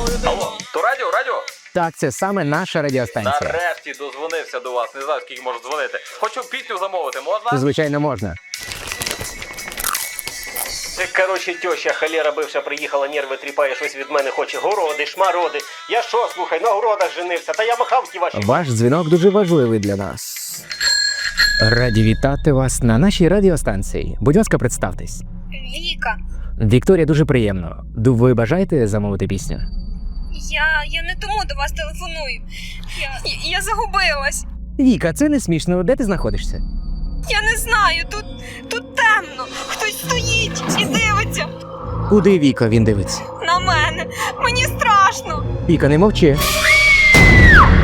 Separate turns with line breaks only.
Алло, то радіо?
Так, це саме наша радіостанція.
Нарешті дозвонився до вас. Не знаю, скільки можу дзвонити. Хочу пісню замовити, можна?
Звичайно, можна.
Це, короче, теща холера бивша приїхала, нерви тріпає, щось від мене хоче. Городи, шмароди. Я що, слухай, на городах женився, та я махав ті ваші.
Ваш дзвінок дуже важливий для нас. Раді вітати вас на нашій радіостанції. Будь ласка, представтесь.
Віка,
Вікторія, дуже приємно. Ви бажаєте замовити пісню?
я не тому до вас телефоную. Я загубилась.
Віка, це не смішно. Де ти знаходишся?
Я не знаю, тут темно. Хтось стоїть і дивиться
Куди Віка він дивиться?
на мене. Мені страшно.
Віка, не мовчи.